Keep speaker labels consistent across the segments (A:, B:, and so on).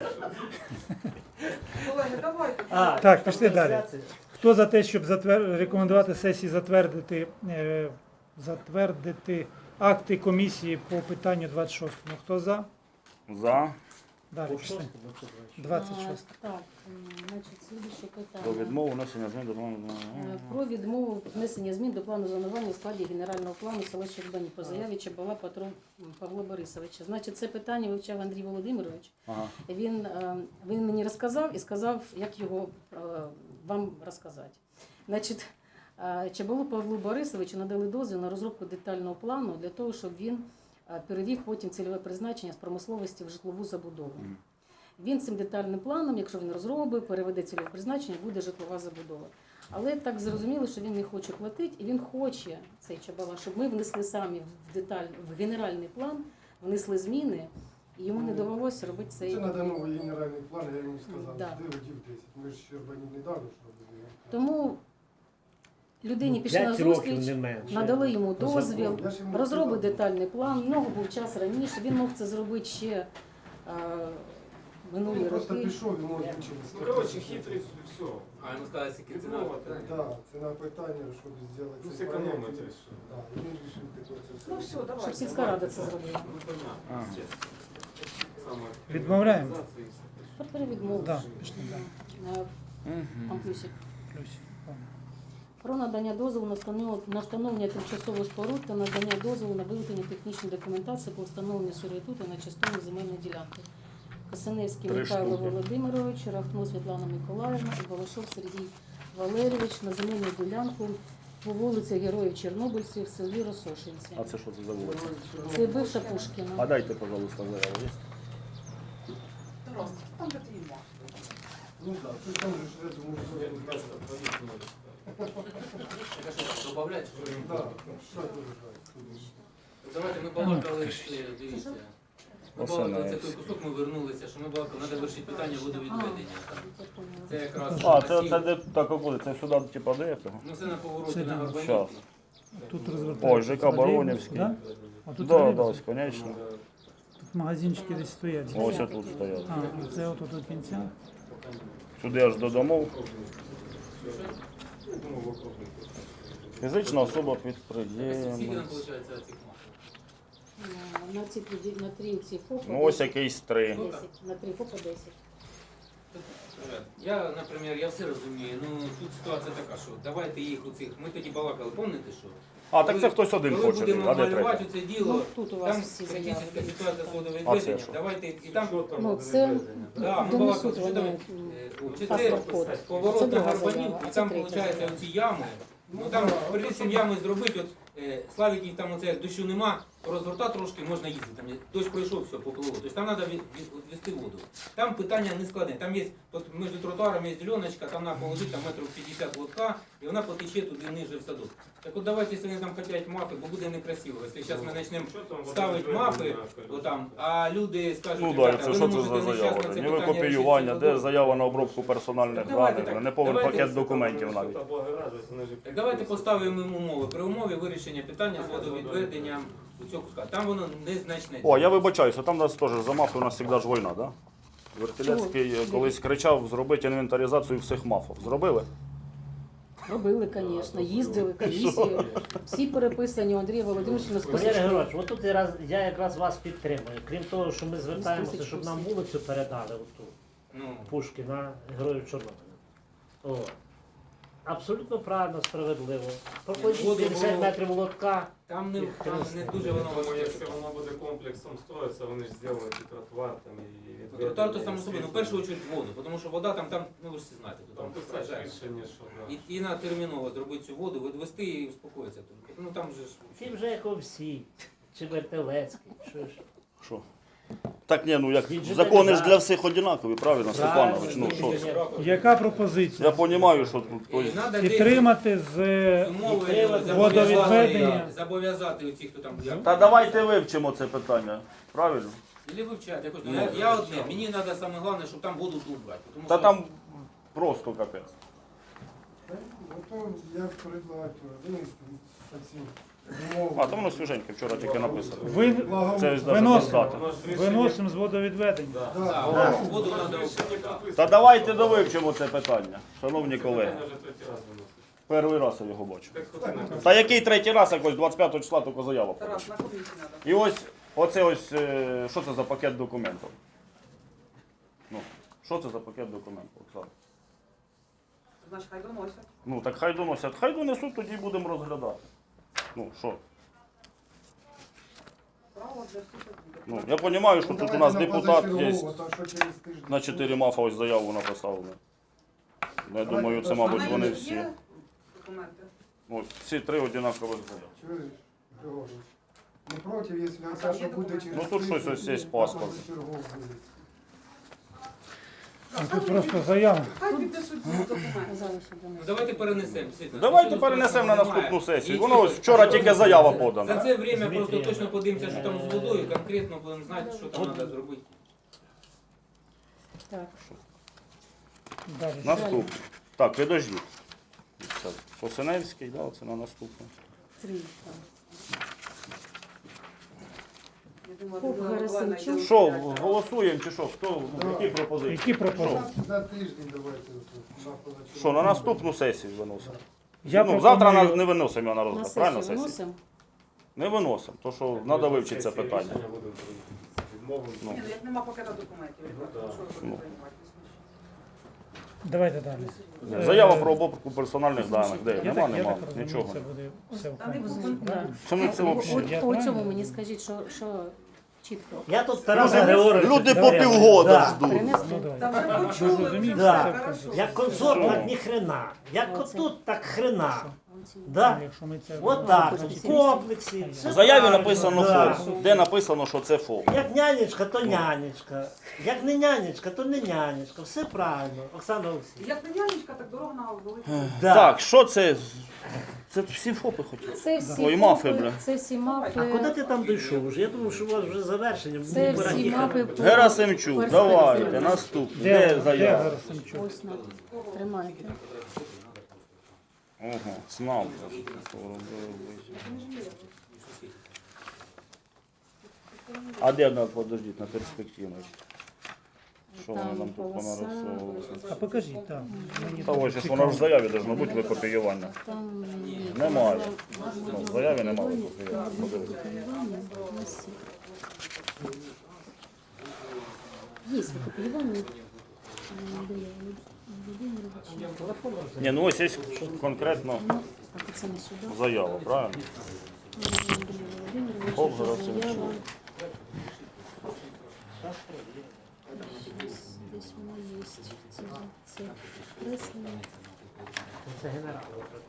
A: Колеги, давайте.
B: Так, пішли далі. Хто за те, щоб рекомендувати сесії затвердити акти комісії по питанню 26? Хто за?
C: За.
B: Далі пішли. 26.
D: Так, значить, слідуюче
C: Про
D: питання.
C: відмову внесення змін до
D: Про відмову внесення змін до плану зонування у складі генерального плану села Щербані по заяві Чабала Павла Борисовича. Значить, це питання вивчав Андрій Володимирович.
C: Ага.
D: Він мені розказав і сказав, як його вам розказати. Значить, Чабалу Павлу Борисовичу надали дозвіл на розробку детального плану для того, щоб він перевів потім цільове призначення з промисловості в житлову забудову. Він цим детальним планом, якщо він розробить, переведе цільове призначення, буде житлова забудова. Але так зрозуміло, що він не хоче платити, і він хоче, цей Чабала, щоб ми внесли самі в генеральний план, внесли зміни, і йому не довелося робити цей...
E: Це треба новий генеральний план, я йому сказав,
D: Да.
E: жди годів 10. Ми ж Щербані не дали, що робили.
D: Тому людині пішли на
F: 5 років
D: зустріч,
F: не менше.
D: надали йому дозвіл,
E: Я ж йому
D: розробив
E: сказав.
D: детальний план, в нього був час раніше, він мог це зробити ще минулі
E: Він просто
D: роки.
E: пішов і може нічого
G: Ну, короче, хитрый, все.
H: А йому сказали, скільки ціна.
E: Так, це на питання, щоб зробити
G: Ну,
E: цей
G: сэкономить
E: проєкт.
G: решил.
E: Так, і він вирішив таке це все.
A: Ну все, давайте.
D: Щоб сільська рада це зробила.
G: Ну, понятно. Самое-
B: Відмовляємо?
D: Тепер відмову.
B: Да, пішли далі.
D: Там плюсик.
B: Плюс.
D: Про надання дозволу на встановлення тимчасових споруд та надання дозволу на виготовлення технічної документації по встановленню сервітуту на частину земельної ділянки. Касаневський
C: 3
D: Михайло
C: штуки.
D: Володимирович, Рахно Світлана Миколаївна і Балашов Сергій Валерійович на земельну ділянку по вулиці Героїв Чорнобильців в селі Росошинці.
C: А це що це за вулиця?
D: Це бивша Пушкіна.
C: А дайте, пожалуйста, заяву. Є?
A: Тарас, там де твій мах.
E: Ну так, це там же ж, я думаю, що...
H: Добавляти?
E: Так, що дуже так.
H: Давайте ми балакали, дивіться. Ми
C: Оце
H: балакали, це
C: навіть.
H: той кусок ми вернулися, що ми балакали, треба вирішити питання водовідведення. Це якраз...
C: А, це де так буде? Це сюди, типа, де цього?
H: Ну це на повороті
B: Це
H: на
B: да.
H: Горбанівку.
C: Щас.
B: Тут розвертається.
C: Ой, ЖК Баронівський.
B: Да? А тут
C: Да,
B: тролейбус?
C: да, конечно.
B: Тут магазинчики десь стоять.
C: Ось тут стоять.
B: А, і це отут до кінця.
C: Сюди аж до домов. Фізична особа
H: Скільки
C: підприємець.
H: нам виходить цих мах?
D: На три ці ФОПа.
C: Ну ось якийсь 3.
D: 10. На 3 ФОПа 10.
H: Я, наприклад, я все розумію, ну тут ситуація така, що давайте їх у цих, ми тоді балакали, пам'ятаєте, що?
C: А, так це хтось один
H: Коли
C: хоче,
H: будемо
C: а де
H: малювати
C: третій?
H: це діло,
D: Ну, тут у вас
H: там
D: всі
H: критична
D: заяви.
H: ситуація з
C: А це
H: водовідведення,
C: що?
H: давайте, і там,
D: Ну, це
H: да, ми
D: донесуть
H: балакали, що
D: вони
H: давай, чи це
D: паспорт-код. Це
H: поворот на
D: друга
H: Горбанівку,
D: заява,
H: і
D: а це
H: там,
D: третя
H: виходить,
D: заява.
H: оці ями, ну там, перед цим ями зробити, от, Славік їх там оце дощу нема, розгорта трошки, можна їздити, там дощ пройшов, все, поплило. Тобто там треба відвести воду. Там питання не складне, там є, от між тротуаром є зеленочка, там треба положити там метрів 50 лотка, і вона потече туди ниже в садок. Так от давайте, якщо вони там хотять мапи, бо буде некрасиво. Якщо зараз ми почнемо ставити мапи, отам, а люди скажуть,
C: Ну так,
H: «Ребята,
C: це
H: ви
C: що
H: не
C: це
H: можете
C: за
H: ні
C: заява?
H: щас на це
C: Ні
H: питання
C: копіювання,
H: рішити
C: де заява на обробку персональних
H: Так давайте
C: даних,
H: так,
C: не повен
H: давайте
C: пакет документів навіть.
H: Так давайте поставимо їм умови. При умові вирішення питання з водовідведенням у цього куска. Там воно незначне.
C: О, я вибачаюся, там у нас теж за мафи у нас завжди ж війна, да? Вертилецький колись кричав зробити інвентаризацію всіх мафів. Зробили?
D: Робили, звісно, їздили, комісії. Всі переписані у Андрія Володимировича на
F: Валерій
D: списку.
F: Григорович, отут я якраз вас підтримую. Крім того, що ми звертаємося, щоб нам вулицю передали оту.
H: Ну,
F: Пушкіна, Героїв Чорнобиля. О. Абсолютно правильно, справедливо. Проходіть
H: Воду
F: 50
H: було-
F: метрів лотка.
H: там не дуже воно
G: Думаю,
H: важке.
G: якщо воно буде комплексом строїться, вони ж зроблять і тротуар там, і...
H: Тротуар то само собою, ну в першу чергу воду, тому що вода там, ну ви ж всі знаєте, то
G: Там
H: там
G: писати
H: сажаєш.
G: рішення, що да.
H: І на терміново зробити цю воду, відвести і успокоїться тільки. Ну там же ж...
F: Всі вже як всі. Чи Вертилецький, що ж.
C: Що? Так ні, ну як
F: Він же
C: закони ж
F: так,
C: для всіх однакові, правильно, Степанович? Ну що?
B: Яка пропозиція?
C: Я розумію, що тут
H: І
C: тобто,
H: надо десь
B: Підтримати з
H: умови
B: водовідведення.
H: зобов'язати оці, хто там...
C: Та давайте вивчимо це питання, правильно?
H: Или вивчати, якось. Я одне, мені треба саме головне, щоб там воду тут брати. Тому
C: Та
H: що-
C: там просто капець.
E: Ну то я предлагаю винести цим
C: А, то воно свіженьке, вчора тільки написано. Це ось навіть без
B: Виносимо.
C: дати.
G: Воно ж в рішенні-
B: Виносимо з водовідведення.
G: Да.
H: Да, воду треба.
C: Та давайте довивчимо це питання, шановні колеги.
G: Питання вже третій раз виносить.
C: Перший раз я його бачу.
G: Так хто це написав?
C: Та який третій раз, якось 25 числа тільки заява подала.
A: Тарас, на комісії треба.
C: І ось, оце ось, що це за пакет документів? Ну, що це за пакет документів, Оксана?
A: Значить, хай доносять.
C: Ну, так хай доносять. Хай донесуть, тоді будемо розглядати. Ну, що?
A: Право для всіх буде.
C: Ну, я розумію, що тут у нас депутат є.
E: На
C: На 4 мафа ось заяву написав. Я думаю, це, мабуть,
A: А
C: вони
A: навіть
C: всі.
A: є документи?
C: Ось, всі 3 однакових заяви.
E: Чуєш, Григорій? Не проти, якщо
A: там
E: це,
A: є
E: що буде
A: документи?
E: через
C: Ну, тут щось ось є паспорт.
E: позачергово буде.
B: Тут просто заява.
A: Хай підписують ці документи.
D: Казали, що
H: Ну,
D: донесуть.
H: давайте перенесемо. Світлана.
C: Давайте
H: Нічого
C: перенесемо на
H: страшного
C: наступну
H: немає.
C: сесію.
H: І
C: Воно ось
H: тільки-
C: вчора тільки заява
H: За
C: подана.
H: це время
F: Дмитрій,
H: просто точно подивимося, що там з водою, конкретно будемо знати, що там треба зробити.
D: Так.
B: Далі.
C: Наступне. Так, підождіть. Це Посиневський, да, це на наступне.
D: 3. Так.
A: Я думаю,
D: Поп
A: Людмила Миколаївна
D: Герасимчук.
A: йде
C: Що,
A: вивчати.
C: голосуємо чи що? Хто, які пропозиції?
B: Які пропозиції?
E: На тиждень давайте. На позачергово.
C: Що, на наступну сесію виносимо?
B: Я
C: Ну, завтра
B: пропоную-
C: не виносимо його на
D: На
C: розгляд, правильно
D: сесію
C: сесію?
D: виносимо.
C: Не виносимо, то що треба вивчити це питання.
G: Рішення буде відмовлено.
C: Ну.
A: Ні, ну як нема пакета документів, ребята,
G: Ну,
A: що ви
C: ну.
A: будете приймати?
B: Давайте далі.
C: Заява про обробку персональних даних. Де?
B: Я
C: Нема,
B: так- я
C: нема,
B: так розумію,
C: нічого.
B: Це буде все
A: Та не
B: вкладено.
A: буде.
B: Правильно?
C: Це ми це взагалі.
B: Я
D: По цьому
B: правильно?
D: мені скажіть, що чітко.
F: Я тут Тараса Григоровича.
C: Люди по
F: давай,
C: півгода
F: да.
C: ждуть.
D: Принести?
B: Ну, давай.
A: Та вже
B: Ми
A: почули, вже
B: зрозуміли,
F: Да.
A: все
B: все
A: хорошо.
B: вкладено.
F: Як консорт,
C: Що?
F: так ні хрена. Як
D: Оце.
F: отут, так хрена.
B: Ну,
F: Да?
B: Якщо ми це
F: Вот так,
B: значить,
F: в комплексі. все
C: В заяві
F: правильно,
C: написано
F: да.
C: ФОП. Де написано, що це ФОП?
F: Як нянечка, то нянечка. Як не нянечка, то не нянечка. Все правильно. Оксана Олексійовна.
A: Як не нянечка, так дорога на велику.
F: Да.
C: Так, що це? Це всі ФОПи хотіли.
D: Це всі
C: Ой, мафи,
D: мапи,
C: бля.
D: це всі мапи.
F: А куди ти там дійшов вже? Я думав, що у вас вже завершення.
D: Це
F: Мені пора
D: всі
F: їхати.
D: мапи по
C: Герасимчук,
D: перспективі.
C: давайте, наступне. Де заява?
B: Герасимчук?
D: Ось на. Тримайте.
C: Ого, знав. А де вона, подождіть, на перспективу? Що вони
D: Там
C: нам тут
D: полоса,
C: понарисовували?
B: А покажіть, так. Мені
C: Та ось, ж вона ж в заяві должно бути викопіювання.
D: Там ні.
C: Немає. Ну, в заяві немає викопіювання. Подивіться.
D: Викопіювання. Ось. Є викопіювання.
C: Ні, ну ось є конкретно
D: Ну, так, це не сюди.
C: заява, правильно? Поп Герасимчук.
D: Заява. Десь воно є. Це креслення.
F: Це генерал.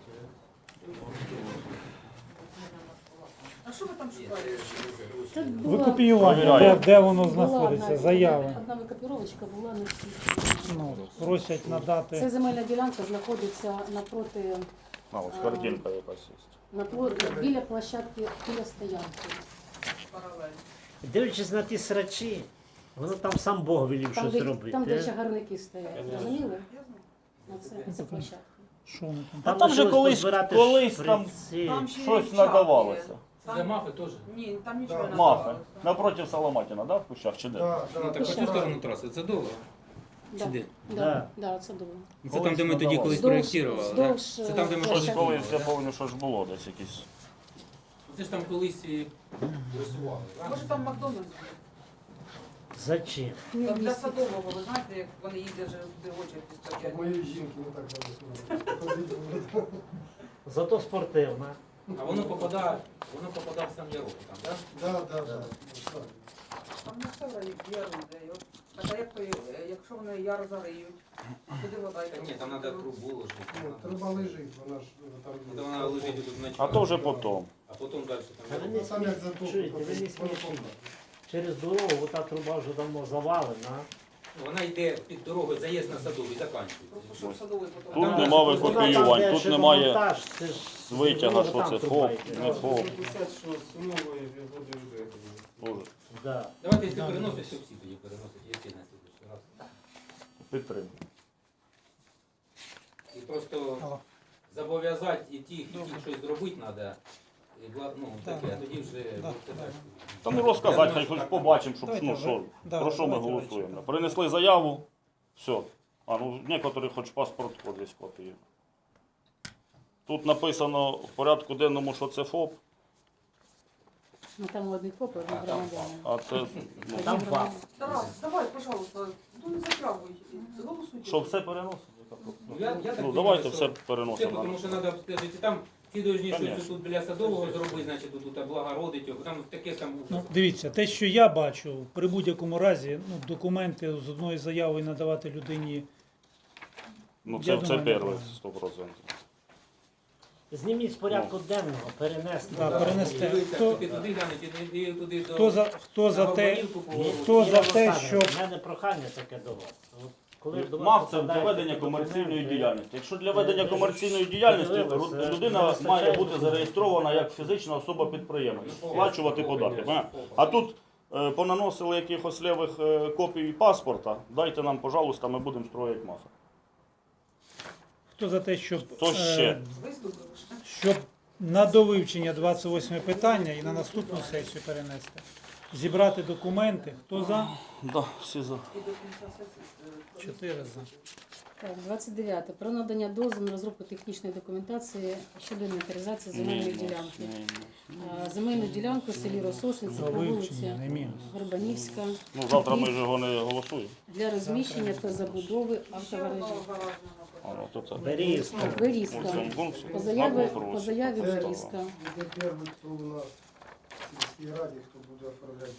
A: А що ви там шукаєте?
D: Тут була-
B: Викопіювання,
C: Провіряємо.
B: де воно
D: була
B: знаходиться,
D: одна-
B: заява.
D: Одна викопіровочка була на всі.
B: Ну, просять
D: Це
B: надати.
D: земельна ділянка знаходиться напроти,
C: А, ось картинка якась є.
D: біля площадки, біля стоянки.
A: Паралель.
F: Дивлячись на ті срачі, воно там сам Бог велів
D: Там,
F: щось
D: де,
F: робити.
D: там, де чагарники стоять. Розуміли?
A: Я знаю.
D: Це площадка.
B: Що вони там?
C: А там же
F: лишилось
C: колись
F: позбирати
C: там
F: шприці.
A: Там ще
C: щось
A: і чат
C: надавалося.
A: є.
H: Це мафи теж.
A: Ні, там нічого не
C: Мафи.
A: надавалося.
C: Напроти Соломатіна, да, в кущах чи де?
E: Да,
H: Ну, так по цю сторону траси, це довго.
D: Да.
H: Чи де?
D: Да. Да, це добре.
H: Це там, де ми тоді колись проєктували. да?
D: Вздовж,
H: Це там, де ми
C: Щось
H: щось
C: колись, я пам'ятаю, що ж було десь якісь.
H: Це ж там колись і рисували.
A: Може там Макдональдс?
F: Зачем?
A: Там для садового, ви знаєте, як вони їздять вже туди очі
E: Так
A: стоять.
E: моєї жінки не так зараз.
F: Зато спортивна.
H: А воно попадає в сам ярок там, так?
E: Да.
A: Там не все яру йде. Так, а як то, якщо вони яр зариють, куди вода йде?
H: Ні, там треба трубу ложити.
E: Труба лежить, вона ж там
H: Та
E: є.
H: вона лежить тут на
C: А то вже потім.
H: А потім далі
F: А
H: там.
F: ви не
E: Там як затоплено,
F: чуєте, ви не смішні. Через дорогу ота труба вже давно завалена.
H: Вона йде під дорогою, заїзд на садовий, закінчується.
A: Щоб садовий потім.
C: Тут
H: Там
C: нема
H: дальше
C: викопіювань, тут немає
F: шиномонтаж, це ж
C: витяга, що
F: там
C: це
F: труба
C: ФОП,
F: йде.
C: не ФОП.
G: Написати, що сумової буде вже.
C: Дуже.
F: Да.
H: Давайте, якщо переносить, то всі тоді переносять, якщо на слідчий раз.
C: Підтримую.
H: І просто зобов'язати і тих, щось зробити треба. ну, таке, а тоді вже
B: Да.
H: це далі.
C: Та ну розказати, хай хоч побачимо, щоб
B: Давайте
C: ну
B: ви-
C: що,
B: да,
C: про що ми
B: давайте
C: голосуємо.
B: ввечері.
C: Принесли заяву, все. А ну некоторі хоч паспорт десь копії. Тут написано в порядку денному, що це ФОП,
D: Ну там одних ФОП, одних громадян.
C: а це ну,
F: Там два.
A: Тарас, давай, пожалуйста, ну не затягуй. Голосуйте.
C: що все переносимо?
H: Ну, я так
C: Ну
H: розумію,
C: давайте
H: що
C: все
H: Все,
C: переносимо.
H: тому що треба обстежити. Там ті дожні, що
C: Конечно.
H: тут біля Садового зробити, значить тут облагородить його. Там таке там
B: Ну, дивіться, те, що я бачу, при будь-якому разі, ну, документи з одної заяви надавати людині.
C: Ну
B: Я
C: це
B: думаю,
C: перше,
B: нормально.
C: 100%.
F: Зніміть з порядку денного, перенести.
B: Да, перенести.
H: Дивіться,
B: Хто-
H: ти туди глянуть, і туди до...
B: Хто за
H: на
B: те,
H: Горбанівку поворот.
B: хто за те,
F: Олександр,
B: щоб
F: У мене прохання таке до вас. От коли до вас
C: МАФ це для
F: попадають
C: ведення
F: такі
C: комерційної
F: документи,
C: діяльності. Якщо для ведення
F: ви
C: комерційної
F: ж
C: діяльності
F: подивилися,
C: людина
F: вистачає
C: має бути
F: документів.
C: зареєстрована як фізична особа-підприємець, сплачувати податки. понятно? А тут понаносили якихось левих копій паспорта, дайте нам, пожалуйста, ми будемо строїти МАФи.
B: хто за те, щоб,
C: Хто ще?
A: Виступили ж.
B: щоб на довивчення 28 питання і на наступну сесію перенести. Зібрати документи. Хто за?
C: Да, всі за.
A: І до кінця сесії.
B: 4 за.
D: Так, 29. Про надання дозволу на розробку технічної документації щодо інвентаризації земельної
C: Мінус,
D: ділянки.
C: мінус.
D: Земельну ділянку в селі Росошинці
B: За
D: по
B: вивчення,
D: вулиці
B: не мінус.
D: Горбанівська
C: Ну, завтра ми ж його не голосуємо.
D: для розміщення та забудови
A: Ще
D: автогаражів.
A: одного гаражного
C: А, ну, то це.
F: Берізка.
C: У
D: Берізка.
C: цьому пункті
D: По
C: знак
D: заяві
C: вопросу.
D: Берізка.
E: Буде перший, хто у нас в сільській раді, хто буде оформляти.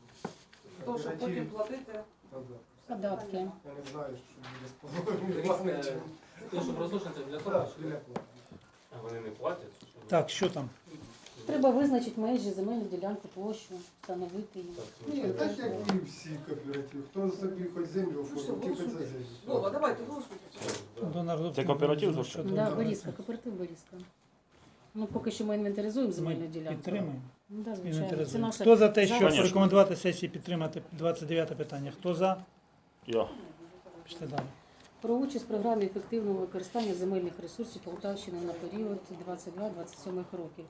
A: То, що потім платити.
D: Податки.
E: Я не знаю, що буде з половиною.
H: Те, що розлучиться для того,
E: Так,
H: що...
E: біля плати.
G: А вони не платять? чи що?
B: Так, що там?
D: Треба визначити межі земельну ділянку, площу, встановити її.
E: Ні, так як і всі кооперативи. Хто собі хоч землю
A: Ну, що,
E: оформив, тільки це
A: голосуйте.
E: землю.
A: Вова, давайте, голосуйте.
B: До народу-
C: Це кооператив,
B: до
C: за що?
B: щодо-
D: Да, Берізка, кооператив Берізка. Ну, поки що ми інвентаризуємо земельну
B: Ми
D: ділянку.
B: підтримуємо.
D: Ну, да, звичайно. Це
B: Інвентаризуємо.
D: наша
B: Хто за те, щоб
C: Конечно.
B: рекомендувати сесії підтримати 29 питання? Хто за?
C: Я.
B: Пішли далі.
D: про участь в програмі ефективного використання земельних ресурсів Полтавщини на період 22-27 років.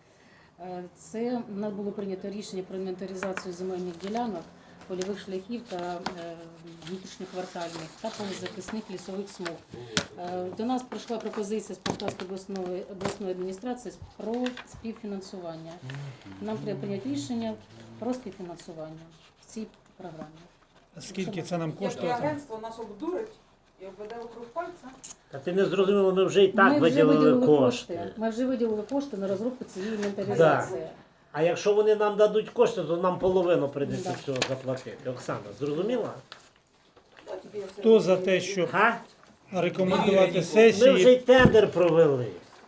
D: Це у нас було прийнято рішення про інвентаризацію земельних ділянок, польових шляхів та внутрішньоквартальних та полезахисних лісових смуг. До нас прийшла пропозиція з Полтавської обласної адміністрації про співфінансування. Нам треба прийняти рішення про співфінансування в цій програмі.
B: Скільки це нам
A: Як і
B: коштує?
A: агентство нас обдурить і обведе вокруг пальця.
F: Та ти не зрозуміло, ми вже і так
D: Ми вже
F: виділили кошти.
D: Ми вже виділили кошти на розробку цієї інвентаризації.
F: А якщо вони нам дадуть кошти, то нам половину прийдеться
D: Да.
F: всього заплатити. Оксана, зрозуміла?
A: Да, тільки я все
B: Хто за
A: розумію.
B: те, щоб
F: Ха?
B: рекомендувати
F: Ми вже
B: сесії
F: й тендер провели.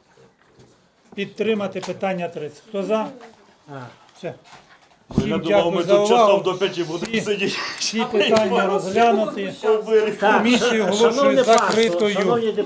B: підтримати питання 30? Хто за?
F: А.
B: Все.
C: Блін, я
B: Всім
C: думав, ми
B: дякую за
C: тут часом
B: увагу.
C: до 5 будемо
B: Всі-
C: сидіти.
B: Всі питання розглянуті.
F: Так,
B: Комісію
F: шановне
B: оголошую
F: панство,
B: закритою.
F: шановні